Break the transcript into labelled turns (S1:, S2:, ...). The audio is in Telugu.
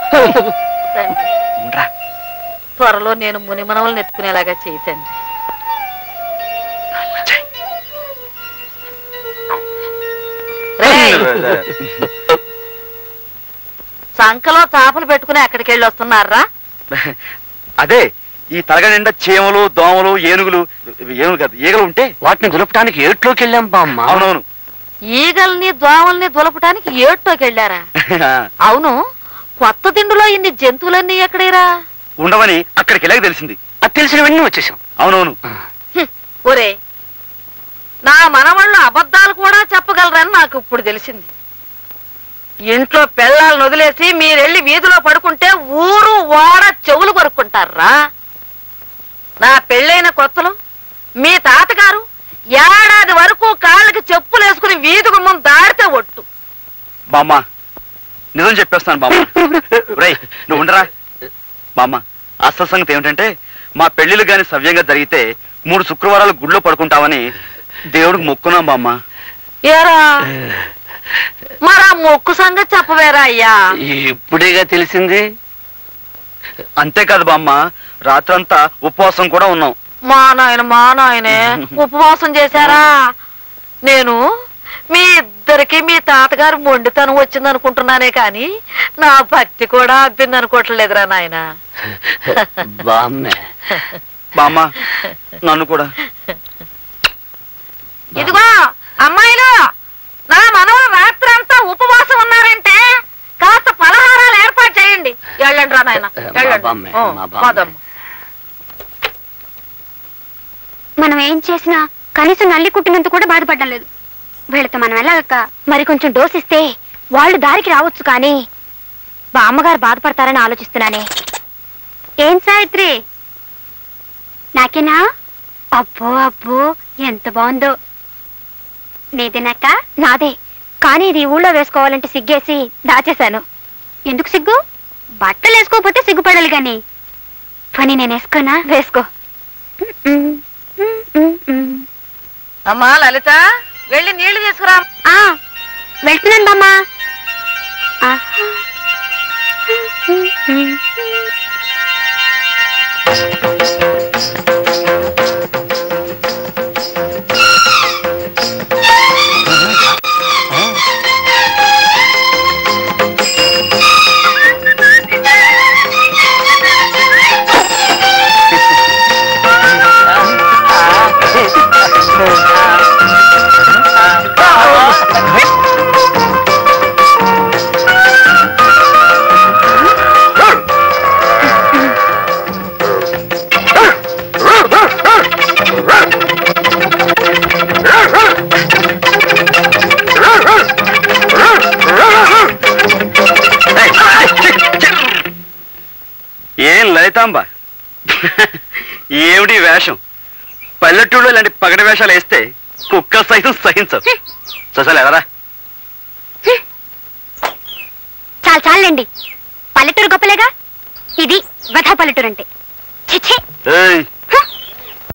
S1: త్వరలో నేను మునిమనవలను ఎత్తుకునేలాగా చేయతండి. సంకలో చేపలు పెట్టుకుని ఎక్కడికి వెళ్ళి వస్తున్నారా?
S2: అదే ఈ తలగ నిండా చీమలు, దోమలు, ఏనుగులు కాదు ఈగలు ఉంటే వాటిని దులపడానికి ఏట్లోకి వెళ్ళాం బామ్మ. అవునవును,
S1: ఈగల్ని దోమల్ని దులపటానికి ఏట్లోకి వెళ్ళారా? అవును, కొత్త దిండులో ఇన్ని జంతువులన్నీ ఎక్కడేరా?
S2: ఉండవని అక్కడికి వెళ్ళాక తెలిసింది. అది తెలిసినవన్నీ వచ్చేసాం. అవునవును.
S1: ఒరే, నా మనవాళ్ళు అబద్ధాలు కూడా చెప్పగలరని నాకు ఇప్పుడు తెలిసింది. ఇంట్లో పిల్లల్ని వదిలేసి మీరెళ్ళి వీధిలో పడుకుంటే ఊరు ఓడ చెవులు కొరుక్కుంటారా? నా పెళ్ళైన కొత్తలో మీ తాతగారు ఏడాది వరకు కాళ్ళకి చెప్పులు వేసుకుని వీధి గుమ్మం దాడితే ఒట్టు.
S2: బామ్మ నిజం చెప్పేస్తాను బామ్మ. రేయ్ నువ్వు ఉండరా బామ్మ. అసలు సంగతి ఏమిటంటే మా పెళ్లిళ్ళు గాని సవ్యంగా జరిగితే 3 శుక్రవారాలు గుళ్ళో పడుకుంటామని దేవుడికి మొక్కున్నాం బామ్మ.
S1: ఏరా మరి ఆ మొక్కు సంగతి చెప్పవేరా అయ్యా?
S2: ఇప్పుడేగా తెలిసింది. అంతేకాదు బామ్మ, రాత్రంతా ఉపవాసం కూడా ఉన్నాం.
S1: మా నాయనే ఉపవాసం చేశారా? నేను మీ ఇద్దరికి మీ తాతగారు మొండితనం వచ్చిందనుకుంటున్నానే కాని నా భక్తి కూడా అబ్బిందనుకోవట్లేదురా నాయన.
S2: బామ్మ నన్ను కూడా.
S1: ఇదిగో అమ్మాయిలు, నా మనవలు రాత్రి అంతా ఉపవాసం ఉన్నారంటే కాస్త పలహారాలు ఏర్పాటు చేయండి. వెళ్ళండి రా నాయన, వెళ్ళండి.
S3: మనం ఏం చేసినా కనీసం నల్లి కుట్టినంత కూడా బాధపడడం లేదు. వీళ్ళతో మనం వెళ్ళాక మరి కొంచెం డోస్ ఇస్తే వాళ్ళు దారికి రావచ్చు. కానీ బామ్మగారు బాధపడతారని ఆలోచిస్తున్నానే. ఏం సావిత్రి, నాకేనా? అబ్బో అబ్బో ఎంత బాగుందో. నీదేనాక? నాదే, కానీ ఇది ఊళ్ళో వేసుకోవాలంటే సిగ్గేసి దాచేశాను. ఎందుకు సిగ్గు? బట్టలు వేసుకోకపోతే సిగ్గుపడాలి గాని. పని నేను వేసుకోనా? వేసుకో.
S1: అమ్మా లలిత, వెళ్ళి నీళ్లు తీసుకురా.
S3: వెళ్తున్నాను బామ్మా.
S2: ఏం లలితాంబ, ఏమిటి వేషం? పల్లెటూళ్ళు ఇలాంటి పగటి వేషాలు వేస్తే కుక్క సైతం సహించవు. చూసాలి ఎదరా.
S3: చాలు చాలండి, పల్లెటూరు గొప్పలేగా. ఇది వధ పల్లెటూరు అంటే.